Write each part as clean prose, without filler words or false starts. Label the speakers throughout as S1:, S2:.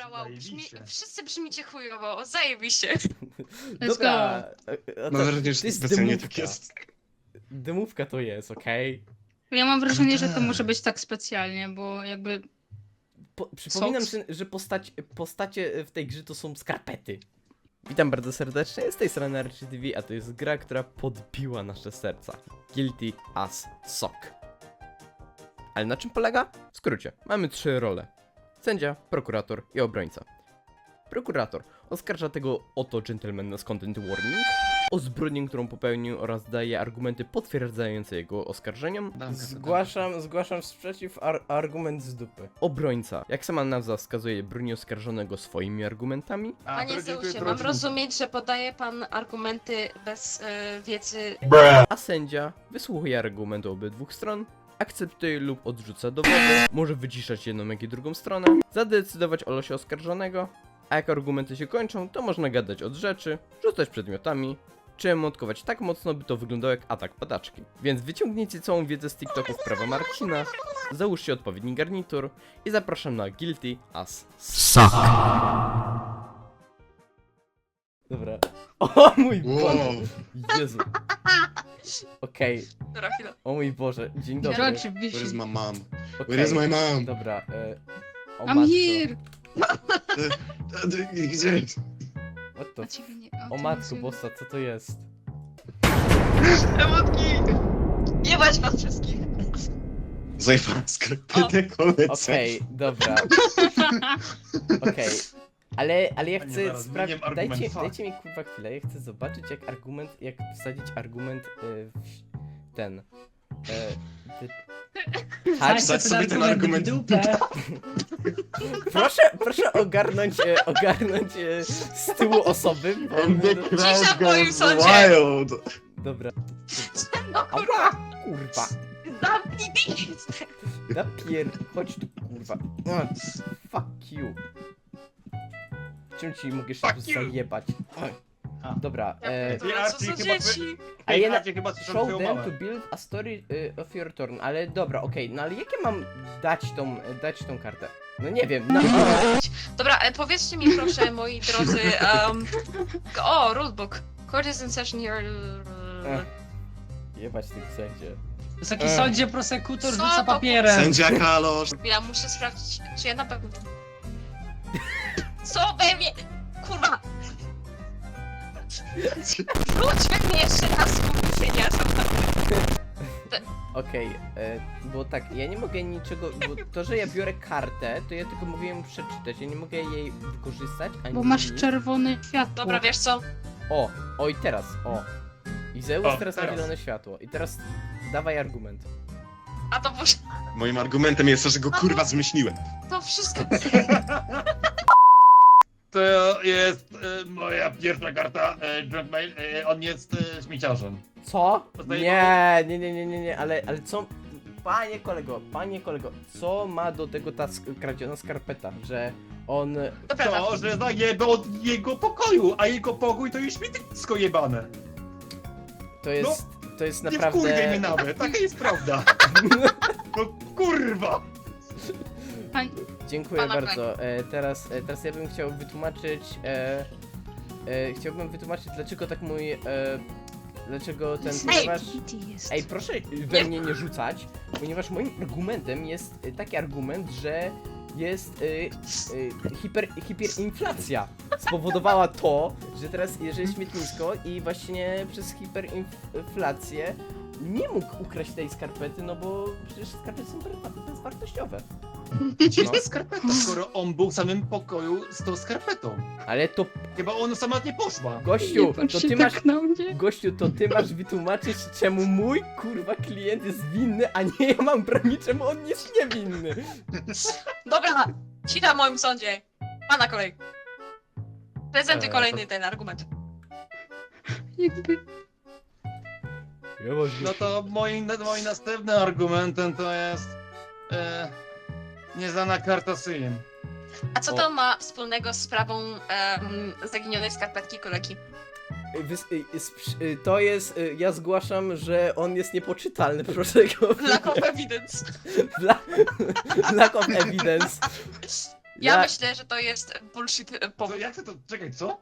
S1: Dobra, wow,
S2: Zajebiście.
S1: wszyscy brzmicie chujowo, zajebiście.
S3: Dobra.
S4: Mam wrażenie, że
S3: to jest
S4: specjalnie tak
S3: dymówka.
S4: jest.
S3: Dymówka to jest, okej?
S5: Ja mam wrażenie, że to może być tak specjalnie, bo jakby...
S3: Przypominam,
S5: Soks.
S3: że postacie w tej grze to są skarpety. Witam bardzo serdecznie, z tej strony Archie TV, a to jest gra, która podbiła nasze serca. Guilty as Sock. Ale na czym polega? W skrócie, mamy 3 role. Sędzia, prokurator i obrońca. Prokurator oskarża tego oto gentlemana z content warning o zbrodnię, którą popełnił, oraz daje argumenty potwierdzające jego oskarżeniom. Zgłaszam sprzeciw, argument z dupy. Obrońca, jak sama nazwa wskazuje, broni oskarżonego swoimi argumentami.
S1: Panie Zeusie, mam rozumieć, że podaje pan argumenty bez wiedzy.
S3: A sędzia wysłuchuje argumentu obydwu stron, akceptuje lub odrzuca dowody, może wyciszać jedną jak i drugą stronę, zadecydować o losie oskarżonego, a jak argumenty się kończą, to można gadać od rzeczy, rzucać przedmiotami, czy emotkować tak mocno, by to wyglądało jak atak padaczki. Więc wyciągnijcie całą wiedzę z TikToków prawa Marcina, załóżcie odpowiedni garnitur i zapraszam na Guilty as Sock. Dobra. O mój Boże!
S4: Wow.
S3: Jezu. Okej.
S1: Dobra, chwila.
S3: O mój Boże, dzień dobry.
S4: Where is
S5: Oczywiście.
S4: my mom?
S3: Okej.
S4: Where is my mom?
S3: Dobra, o
S5: I'm
S3: matko.
S5: here!
S4: Gdzie?
S3: What the
S5: A ciebie nie...
S3: O matko bossa, co to jest?
S1: Emotki! Jebać was wszystkich.
S4: Zajebałem skarpetę koledze.
S3: Okej, dobra. Okej. Ale ja chcę
S2: zaraz,
S3: sprawdzić.
S2: zmieniam argument,
S3: Dajcie mi kurwa chwilę, ja chcę zobaczyć jak wsadzić argument w ten. Tak,
S4: Wsadź sobie ten argument w dupę.
S3: proszę ogarnąć z tyłu osoby, bo...
S1: Cisza w moim sądzie.
S4: Wild.
S3: Dobra.
S1: No kurwa,
S3: Ała! Kurwa.
S1: zamknij pizdę.
S3: Chodź tu, kurwa. Fuck you. Czym ci mogę jeszcze
S2: Fuck you.
S3: zajebać? Dobra,
S2: Ty,
S1: Co
S2: Archie,
S1: za
S2: chyba
S1: dzieci?
S3: a ja
S2: Archie, chyba słyszał
S3: show
S2: twoją
S3: them
S2: mamę.
S3: to build a story of your turn, ale dobra, okej, no ale jakie mam dać tą kartę? No nie wiem,
S1: Dobra, powiedzcie mi proszę, moi drodzy, o, rulebook. Court is in session here.
S3: Jebać tych sędzie.
S6: Wysoki sądzie, prosekutor
S1: Co
S6: rzuca
S1: to
S6: papierem.
S4: Sędzia Kalosz.
S1: Ja muszę sprawdzić, czy ja na pewno... Co we mnie? Kurwa! Wróćmy mnie jeszcze raz, kurwienia.
S3: Okej, bo tak, ja nie mogę niczego, bo to, że ja biorę kartę, to ja tylko mogę ją przeczytać, ja nie mogę jej wykorzystać, ani
S5: Bo masz
S3: nic.
S5: czerwone światło.
S1: Dobra, wiesz co?
S3: O i teraz, I Zeus
S2: O,
S3: teraz ma
S2: teraz.
S3: zielone światło. I teraz dawaj argument.
S1: A to może...
S4: Moim argumentem jest to, że go kurwa zmyśliłem.
S1: To wszystko...
S2: To jest moja pierwsza karta, Drunkmail. On jest śmieciarzem.
S3: Co?
S2: Poznaję
S3: Nie, ale co? Panie kolego, co ma do tego ta kradziona skarpeta, że on...
S1: To prawda.
S2: To, że zajebę od jego pokoju, a jego pokój to jest śmietnisko jebane.
S3: To jest
S2: Nie
S3: naprawdę...
S2: wkurwiaj mnie nawet, taka jest prawda. No kurwa!
S5: Pań...
S3: Dziękuję
S1: Pana
S3: bardzo. Teraz ja bym chciał wytłumaczyć... chciałbym wytłumaczyć, dlaczego tak dlaczego ten... Ponieważ... Ej, proszę we mnie nie rzucać, ponieważ moim argumentem jest taki argument, że jest hiperinflacja. Spowodowała to, że teraz jeżeli śmietnisko i właśnie przez hiperinflację nie mógł ukraść tej skarpety, no bo przecież skarpety są bezwartościowe.
S2: Gdzie jest ta skarpeta, skoro on był w samym pokoju z tą skarpetą?
S3: Ale to,
S2: Chyba ona sama nie poszła.
S3: gościu,
S5: patrz
S3: to
S5: się
S3: ty
S5: tak
S3: masz...
S5: na mnie.
S3: Gościu, to ty masz wytłumaczyć, czemu mój kurwa klient jest winny, a nie ja mam bronić, czemu on jest niewinny.
S1: Dobra, cisza w moim sądzie. Pana kolej. Prezentuj
S3: to-
S1: kolejny ten argument.
S5: Jakby...
S2: No to moim następnym argumentem to jest nieznana karta Sim.
S1: A co to ma wspólnego z sprawą zaginionej skarpetki kolegi?
S3: To jest, ja zgłaszam, że on jest niepoczytalny, proszę go.
S1: Lack of evidence.
S3: Lack of evidence.
S1: Ja myślę, że to jest bullshit powód.
S2: Jak ty to, czekaj, co?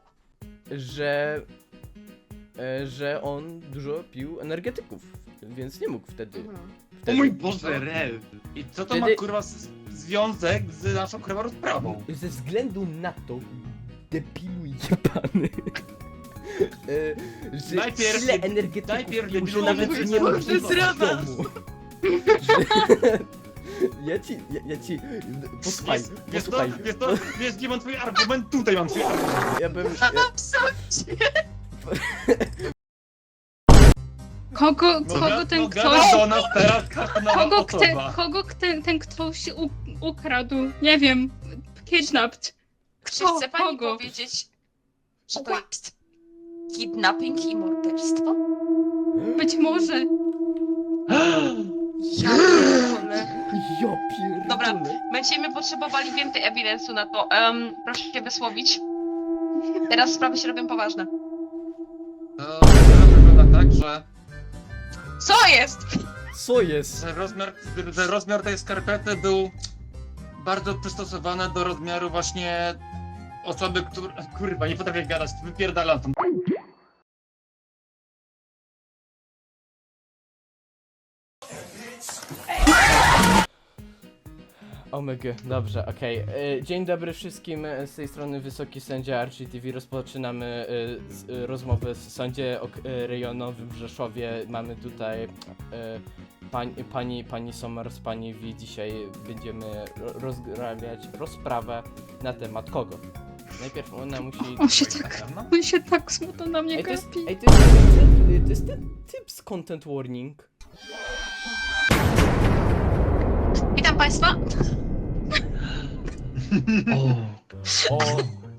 S3: że on dużo pił energetyków, więc nie mógł wtedy.
S4: O mój Boże, Rel.
S2: I co to
S3: Wtedy-
S2: ma kurwa związek z naszą kurwa rozprawą?
S3: Ze względu na to, debilu jebany, że
S2: Najpierw-
S3: tyle energetyków
S2: najpierw
S3: pił, że
S2: debilu
S3: nawet
S2: mówisz,
S3: nie
S2: że
S3: mógł
S2: to
S3: wyjść z
S1: zdrada.
S3: domu. Ja ci, posłuchaj, posłuchaj,
S2: Wiesz, gdzie mam twój argument? Tutaj mam twój argument.
S3: ja bym,
S5: Kogo ten ktoś...
S2: do nas teraz kartonowa osoba.
S5: Kogo ten ktoś ukradł? Nie wiem. Kidnapped.
S1: Czy chce pani
S5: Kogo?
S1: powiedzieć, że to jest kidnapping i morderstwo?
S5: Być może.
S1: Ja pierdolę.
S3: ja pierdolę.
S1: Dobra. Będziemy potrzebowali więcej ewidensu na to. Proszę się wysłowić. Teraz sprawy się robią poważne.
S2: To wygląda tak, że
S1: Co jest?
S3: Co jest?
S2: że rozmiar tej skarpety był bardzo przystosowany do rozmiaru właśnie osoby, która... Kurwa, nie potrafię gadać, wypierdalam tam.
S3: Omega, dobrze, okej. Dzień dobry wszystkim, z tej strony Wysoki Sędzia RGTV. Rozpoczynamy rozmowę w Sądzie Rejonowym w Rzeszowie. Mamy tutaj pani Somers, pani V. Dzisiaj będziemy rozgrabiać rozprawę na temat kogo? Najpierw ona musi...
S5: On się tak smutno na mnie
S3: Ej, to jest,
S5: gapi.
S3: ej, to jest ten typ z Content Warning.
S1: Witam państwa.
S3: O.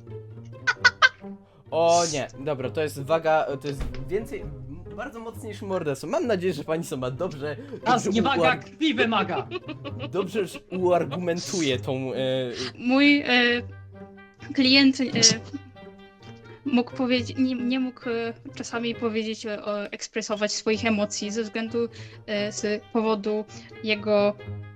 S3: O nie, dobra, to jest waga, to jest więcej, bardzo mocniejszy morderstwo. Mam nadzieję, że pani sama dobrze,
S6: Nas
S3: dobrze,
S6: nie waga, krwi wymaga.
S3: dobrze uargumentuje tą...
S5: Mój klient mógł powiedzieć, nie mógł czasami powiedzieć, ekspresować swoich emocji ze względu, z powodu jego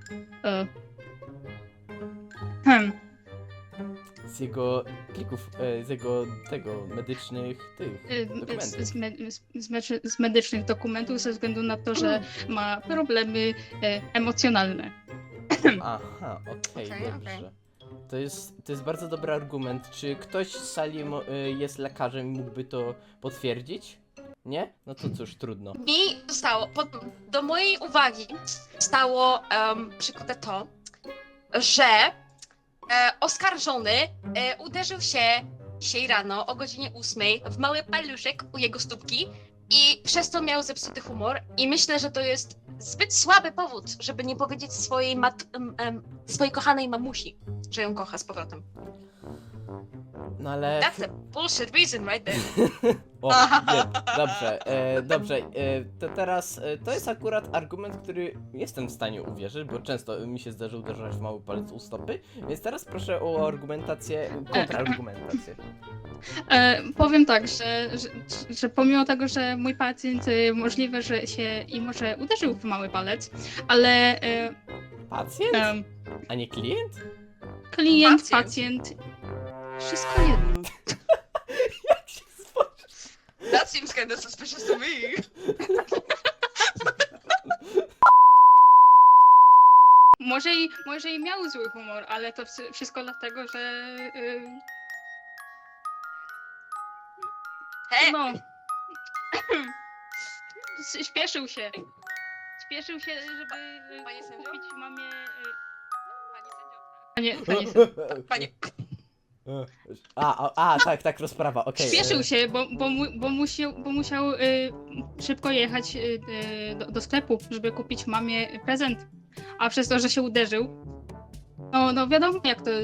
S3: z jego plików, z jego tego, medycznych dokumentów.
S5: z medycznych dokumentów ze względu na to, że ma problemy emocjonalne.
S3: Aha, okej,
S1: Okej,
S3: dobrze. To jest bardzo dobry argument. Czy ktoś z sali jest lekarzem i mógłby to potwierdzić? Nie? No to cóż, trudno.
S1: Mi zostało, do mojej uwagi stało przykute to, że oskarżony uderzył się dzisiaj rano o godzinie 8 w mały paluszek u jego stópki i przez to miał zepsuty humor i myślę, że to jest zbyt słaby powód, żeby nie powiedzieć swojej swojej kochanej mamusi, że ją kocha z powrotem.
S3: No ale...
S1: That's a bullshit reason right there.
S3: O, nie, dobrze, dobrze, to teraz, to jest akurat argument, który jestem w stanie uwierzyć, bo często mi się zdarzy uderzać w mały palec u stopy, więc teraz proszę o argumentację, kontrargumentację.
S5: Powiem tak, że pomimo tego, że mój pacjent możliwe, że się i może uderzył w mały palec, ale
S3: Pacjent? A nie klient?
S5: klient,
S1: Pacjent.
S5: pacjent, wszystko jedno.
S3: Jak się spojrzy?
S1: That seems kind of suspicious to me.
S5: Może i miał zły humor, ale to wszystko dlatego, że
S1: He,
S5: no śpieszył się. Śpieszył się, żeby
S1: Panie sędzio?
S5: kupić mamie...
S1: Panie sędzio?
S5: Panie,
S1: Panie.
S3: Tak, rozprawa, okej.
S5: śpieszył się, bo musiał szybko jechać do sklepu, żeby kupić mamie prezent. A przez to, że się uderzył, no wiadomo jak to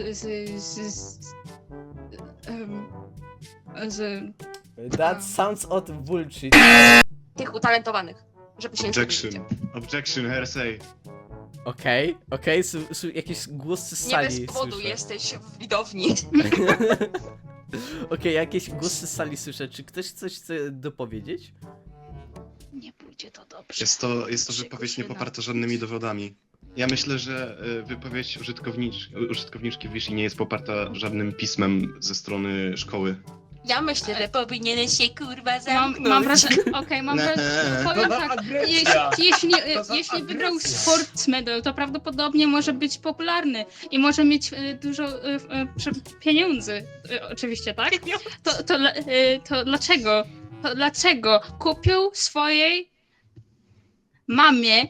S3: That sounds odd bullshit.
S1: Tych utalentowanych, żeby się nie
S4: Objection.
S1: zgubiliście.
S4: Objection, hearsay.
S3: Okej, jakieś głosy z
S1: Nie
S3: sali
S1: bez powodu
S3: słyszę.
S1: jesteś w widowni.
S3: Okej, jakieś głosy z sali słyszę. Czy ktoś coś chce dopowiedzieć?
S5: nie pójdzie to dobrze.
S4: Jest to wypowiedź nie poparta żadnymi dowodami. Ja myślę, że wypowiedź użytkowniczki Wishy nie jest poparta żadnym pismem ze strony szkoły.
S1: Ja myślę, że powinieneś się kurwa
S5: Mam
S1: zamknąć.
S5: wrażenie, mam wrażenie, powiem tak, jeśli wygrał Sports Medal, to prawdopodobnie może być popularny i może mieć dużo pieniędzy, oczywiście, tak? To dlaczego? To dlaczego kupił swojej mamie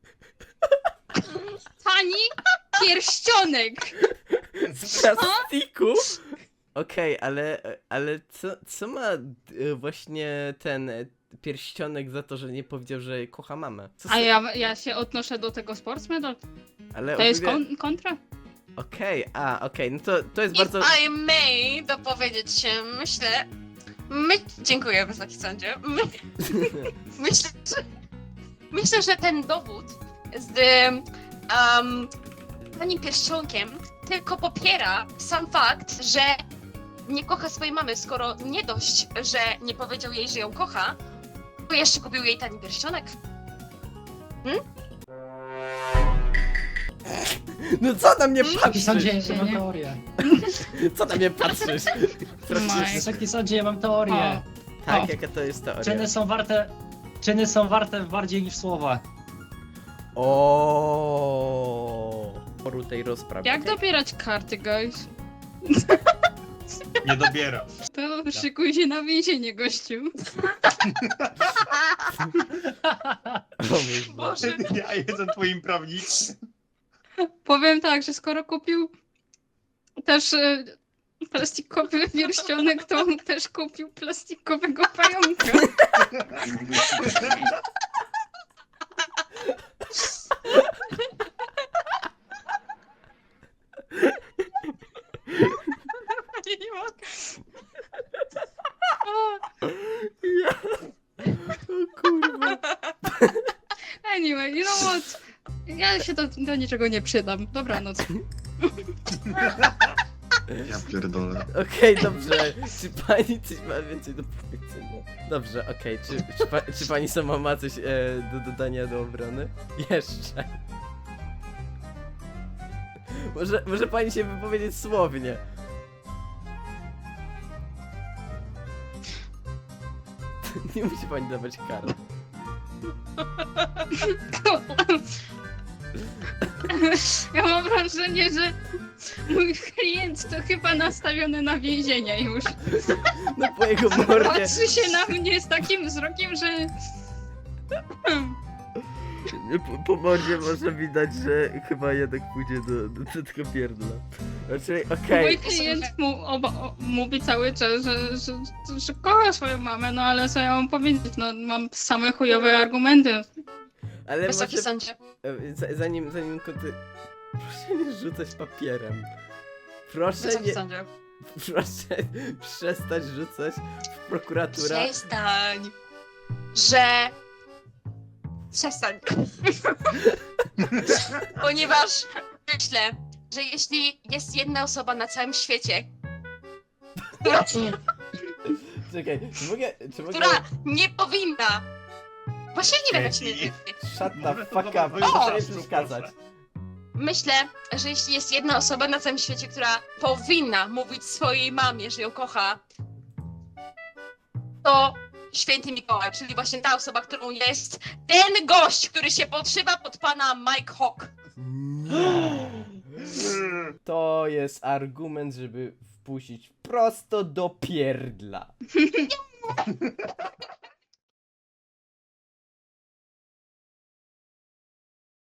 S5: tani pierścionek?
S3: Z plastiku? Okej, ale co ma właśnie ten pierścionek za to, że nie powiedział, że kocha mamę? Co
S5: A ja się odnoszę do tego Sports Medal.
S3: ale
S5: To jest
S3: ogólnie-
S5: kontra?
S3: Okej, no to jest
S1: If
S3: bardzo...
S1: I may dopowiedzieć się, dziękuję Wysoki Sądzie. Myślę, że ten dowód z tanim pierścionkiem tylko popiera sam fakt, że nie kocha swojej mamy, skoro nie dość, że nie powiedział jej, że ją kocha, to jeszcze kupił jej tani pierścionek.
S3: No co na mnie
S6: Wysoki
S3: patrzysz?
S6: sądzie, ja mam teorię.
S3: Co na mnie patrzysz?
S5: Maj.
S6: Wysoki sądzie, ja mam teorię.
S3: Tak,
S6: O.
S3: jaka to jest teoria?
S6: Czyny są warte bardziej niż słowa.
S3: O, poru tej rozprawy.
S5: Jak dobierać karty, guys?
S2: Nie dobiera.
S5: To szykuj się na więzienie, gościu.
S3: O mój Boże.
S2: Ja jestem twoim prawnikiem.
S5: Powiem tak, że skoro kupił też plastikowy pierścionek, to on też kupił plastikowego pająka.
S1: Nie mogę.
S3: Ja... O kurwa.
S5: Anyway, you know what? Ja się do niczego nie przydam. Dobranoc.
S4: Ja pierdolę.
S3: Okej, dobrze. Czy pani coś ma więcej do powiedzenia? Dobrze, okej. Czy pani sama ma coś do dodania do obrony? Jeszcze. Może pani się wypowiedzieć słownie. Nie musi pani dawać kar.
S5: Ja mam wrażenie, że mój klient to chyba nastawiony na więzienie już.
S3: No po jego mordzie.
S5: Patrzy się na mnie z takim wzrokiem, że...
S3: Po mordzie można widać, że chyba jednak pójdzie do tego pierdla. Znaczy, okej.
S5: Mój klient mówi cały czas, że kocha swoją mamę, no ale co ja mam powiedzieć? No mam same chujowe argumenty.
S3: Ale
S1: Wysoki
S3: może,
S1: Sądzie.
S3: zanim proszę nie rzucać papierem. Proszę
S1: Wysoki
S3: nie,
S1: Sądzie.
S3: proszę przestać rzucać w prokuratura.
S1: Przestań. Przestań. Ponieważ myślę, że jeśli jest jedna osoba na całym świecie,
S3: Czekaj, czy mogę...
S1: która nie powinna. Właśnie nie wiem, jak się nie.
S3: Shut the fuck up, proszę nie przeszkadzać.
S1: Myślę, że jeśli jest jedna osoba na całym świecie, która powinna mówić swojej mamie, że ją kocha, to Święty Mikołaj, czyli właśnie ta osoba, którą jest ten gość, który się podszywa pod pana Mike Hawk.
S3: To jest argument, żeby wpuścić prosto do pierdla.